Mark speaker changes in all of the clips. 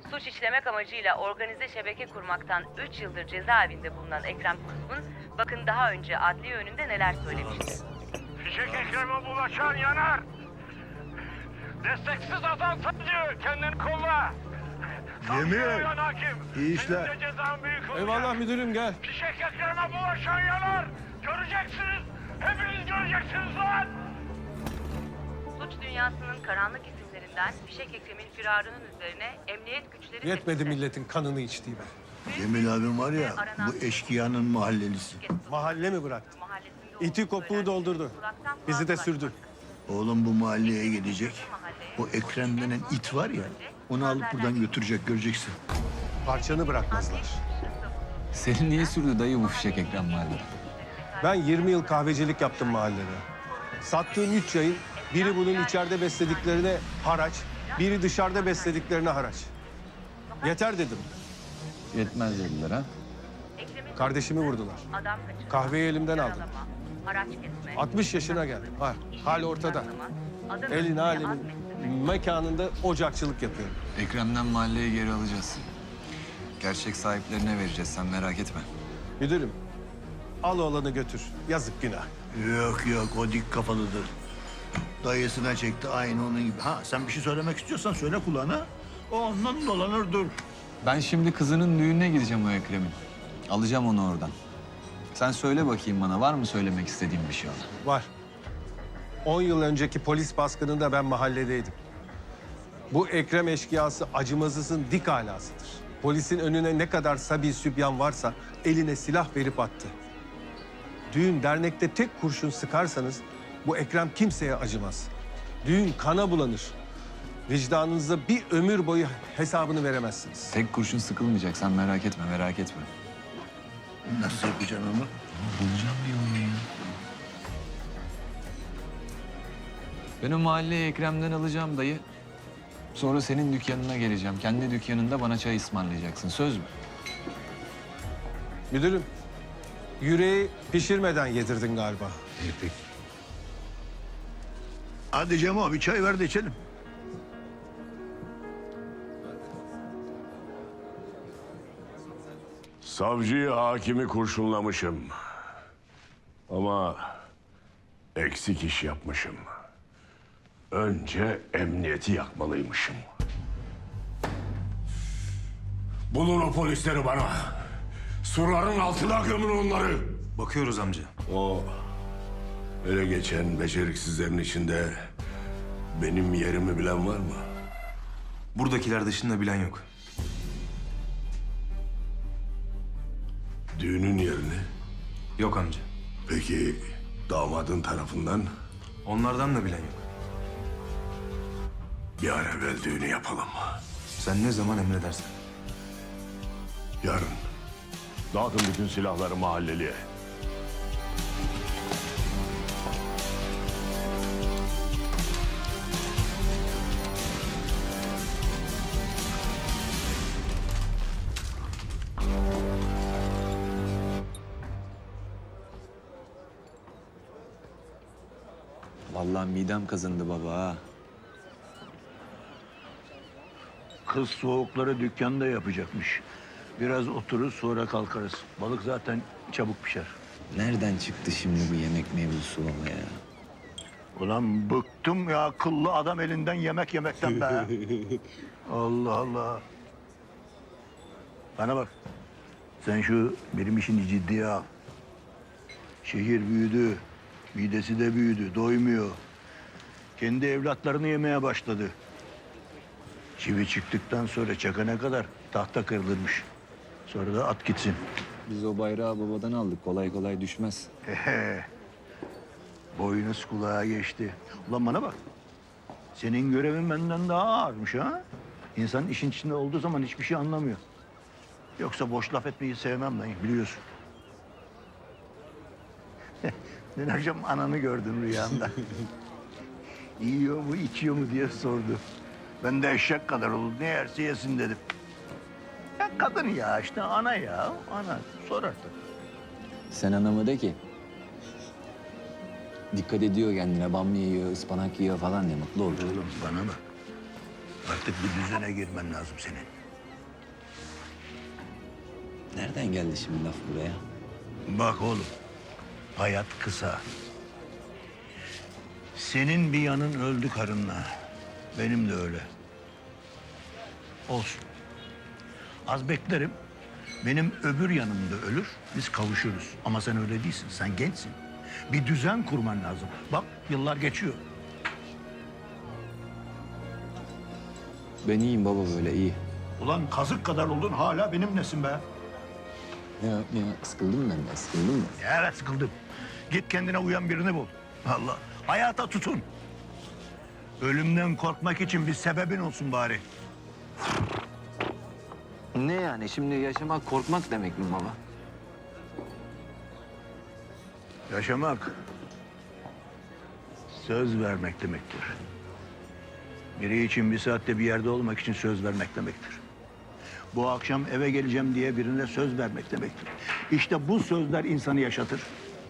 Speaker 1: Suç işlemek amacıyla organize şebeke kurmaktan 3 yıldır cezaevinde bulunan Ekrem Kuzgun, bakın daha önce adliye önünde neler söylemişti.
Speaker 2: Fişek Ekrem'e bulaşan yanar. Desteksiz adam sancı, kendini kolla.
Speaker 3: Yemin.
Speaker 2: Hakim.
Speaker 3: İyi işler.
Speaker 2: Senin de cezan büyük olacak.
Speaker 4: Eyvallah müdürüm, gel.
Speaker 2: Fişek Ekrem'e bulaşan yanar. Göreceksiniz. Hepiniz göreceksiniz lan.
Speaker 1: Suç dünyasının karanlık isimlerinden Fişek Ekrem'in firarının üzerine emniyet güçleri...
Speaker 4: Yetmedi milletin kanını içtiği be.
Speaker 3: Cemil abim var ya, bu eşkıyanın mahallelisi.
Speaker 4: Mahalle mi bıraktı?
Speaker 1: Mahallesinde
Speaker 4: İti
Speaker 1: olduğu
Speaker 4: kopuğu
Speaker 1: söylenen
Speaker 4: doldurdu.
Speaker 1: uzaktan
Speaker 4: Bizi de
Speaker 1: kulaklaşmak.
Speaker 4: sürdü.
Speaker 3: Oğlum bu mahalleye gidecek. O Ekrem denen it var ya, onu alıp buradan götürecek, göreceksin.
Speaker 4: Parçanı bırakmazlar.
Speaker 5: Seni niye sürdü dayı bu fişek Ekrem mahallede?
Speaker 4: Ben 20 yıl kahvecilik yaptım mahallede. Sattığım 3 yayın, biri bunun içeride beslediklerine haraç, biri dışarıda beslediklerine haraç. Yeter dedim.
Speaker 5: Yetmez dediler ha.
Speaker 1: Kardeşimi vurdular.
Speaker 4: Kahveyi elimden aldım.
Speaker 1: Araç kesme,
Speaker 4: 60 yaşına geldim. Hal ortada. Elin alemin mekanında ocakçılık yapıyorum.
Speaker 5: Ekrem'den mahalleyi geri alacağız. Gerçek sahiplerine vereceğiz, sen merak etme.
Speaker 4: Müdürüm, al oğlanı götür. Yazık günah.
Speaker 3: Yok yok, o dik kafalıdır. Dayısına çekti aynı onun gibi. Ha, sen bir şey söylemek istiyorsan söyle kulağına. O ondan dolanır dur.
Speaker 5: Ben şimdi kızının düğününe gideceğim o Ekrem'in. Alacağım onu oradan. Sen söyle bakayım bana, var mı söylemek istediğin bir şey ona?
Speaker 4: Var. 10 yıl önceki polis baskınında ben mahalledeydim. Bu Ekrem eşkıyası acımasızın dik alasıdır. Polisin önüne ne kadar sabi sübyan varsa eline silah verip attı. Düğün dernekte tek kurşun sıkarsanız bu Ekrem kimseye acımaz. Düğün kana bulanır. Vicdanınıza bir ömür boyu hesabını veremezsiniz.
Speaker 5: Tek kurşun sıkılmayacak, sen merak etme, merak etme.
Speaker 3: Nasıl yapacaksın onu?
Speaker 5: Bulacağım bir yolunu ya. Ben o mahalleyi Ekrem'den alacağım dayı. Sonra senin dükkanına geleceğim. Kendi dükkanında bana çay ısmarlayacaksın. Söz mü?
Speaker 4: Müdürüm, yüreği pişirmeden yedirdin galiba.
Speaker 3: Hadi Cemo, bir çay ver de içelim.
Speaker 2: Savcıyı, hakimi kurşunlamışım. Ama eksik iş yapmışım. Önce emniyeti yakmalıymışım. Bulun o polisleri bana. Surların altına gömün onları.
Speaker 6: Bakıyoruz amca.
Speaker 2: O ele geçen beceriksizlerin içinde benim yerimi bilen var mı?
Speaker 6: Buradakiler dışında bilen yok.
Speaker 2: Düğünün yerini.
Speaker 6: Yok amca.
Speaker 2: Peki damadın tarafından
Speaker 6: Onlardan da bilen yok.
Speaker 2: bir an evvel düğünü yapalım.
Speaker 6: Sen ne zaman emredersen.
Speaker 2: Yarın dağıtın bütün silahları mahalleliye.
Speaker 5: Vallahi midem kazındı baba ha.
Speaker 3: Kız soğukları dükkanda yapacakmış. Biraz otururuz sonra kalkarız. Balık zaten çabuk pişer.
Speaker 5: Nereden çıktı şimdi bu yemek mevzusu baba ya?
Speaker 3: Ulan bıktım ya akıllı adam elinden yemek yemekten be. Allah Allah. Bana bak. Sen şu benim işini ciddiye al. Şehir büyüdü. Midesi de büyüdü. Doymuyor. Kendi evlatlarını yemeye başladı. Çivi çıktıktan sonra çakana kadar tahta kırılırmış. Sonra da at gitsin.
Speaker 5: Biz o bayrağı babadan aldık. Kolay kolay düşmez.
Speaker 3: Boynuz kulağa geçti. Ulan bana bak. Senin görevin benden daha ağırmış ha. İnsan işin içinde olduğu zaman hiçbir şey anlamıyor. Yoksa boş laf etmeyi sevmem lan, biliyorsun. Dün akşam ananı gördüm rüyamda. Yiyor mu, içiyor mu diye sordu. Ben de eşek kadar olur, ne yerse yesin dedim. Ya kadın ya işte, ana ya, ana. Sor artık.
Speaker 5: Sen anamı de ki. Dikkat ediyor kendine. Bamya yiyor, ıspanak yiyor falan diye mutlu olur.
Speaker 3: Oğlum bana bak. Artık bir düzene girmen lazım senin.
Speaker 7: Nereden geldi şimdi laf buraya?
Speaker 3: Bak oğlum, hayat kısa. Senin bir yanın öldü karınla. Benim de öyle. Olsun. Az beklerim. Benim öbür yanım da ölür. Biz kavuşuruz. Ama sen öyle değilsin. Sen gençsin. Bir düzen kurman lazım. Bak yıllar geçiyor.
Speaker 7: Ben iyiyim baba, böyle iyi.
Speaker 3: Ulan kazık kadar oldun hala benimlesin be.
Speaker 7: Ya sıkıldım ben de, sıkıldım mı?
Speaker 3: Evet sıkıldım. Git kendine uyan birini bul. Allah. Hayata tutun. Ölümden korkmak için bir sebebin olsun bari.
Speaker 7: Ne yani, şimdi yaşamak korkmak demek mi baba?
Speaker 3: Yaşamak söz vermek demektir. Biri için bir saatte bir yerde olmak için söz vermek demektir. Bu akşam eve geleceğim diye birine söz vermek demektir. İşte bu sözler insanı yaşatır.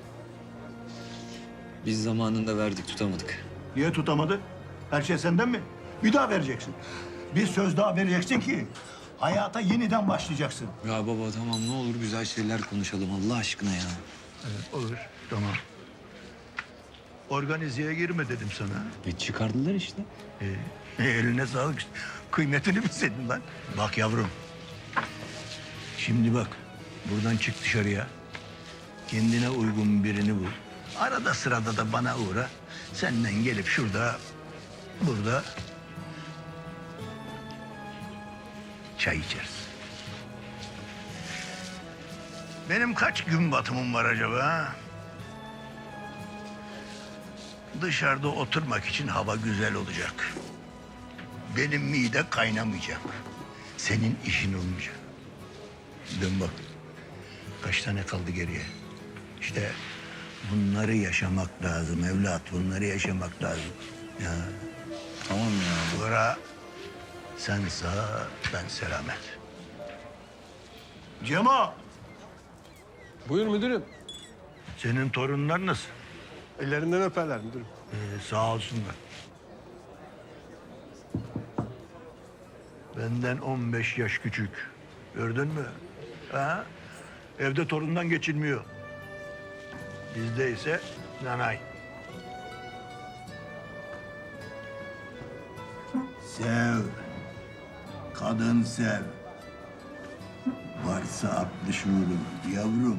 Speaker 7: Biz zamanında verdik, tutamadık.
Speaker 3: Niye tutamadı? Her şey senden mi? Bir daha vereceksin. Bir söz daha vereceksin ki hayata yeniden başlayacaksın.
Speaker 7: Ya baba tamam, ne olur güzel şeyler konuşalım Allah aşkına ya.
Speaker 3: Evet, olur. Tamam. Organizeye girme dedim sana.
Speaker 7: Çıkardılar işte.
Speaker 3: Eline sağlık. Kıymetini bilseydin lan. Bak yavrum. Şimdi bak. Buradan çık dışarıya. Kendine uygun birini bul. Arada sırada da bana uğra. Senden gelip şurada, burada çay içeriz. Benim kaç gün batımım var acaba? Ha? Dışarıda oturmak için hava güzel olacak. Benim mide kaynamayacak. Senin işin olmayacak. Dön bak. Kaç tane kaldı geriye? İşte bunları yaşamak lazım evlat. Bunları yaşamak lazım. Ya.
Speaker 7: Tamam ya.
Speaker 3: Bura sen sağ, ben selamet. Cemo,
Speaker 4: Buyur müdürüm.
Speaker 3: senin torunlar nasıl?
Speaker 4: Ellerinden öperler müdürüm.
Speaker 3: Sağ olsunlar. Benden 15 yaş küçük. Gördün mü? Ha? Evde torundan geçilmiyor. Bizde ise nanay. Sev. Kadın sev. Varsa aklı şuurun yavrum.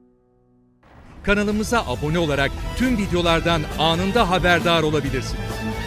Speaker 8: Kanalımıza abone olarak tüm videolardan anında haberdar olabilirsiniz.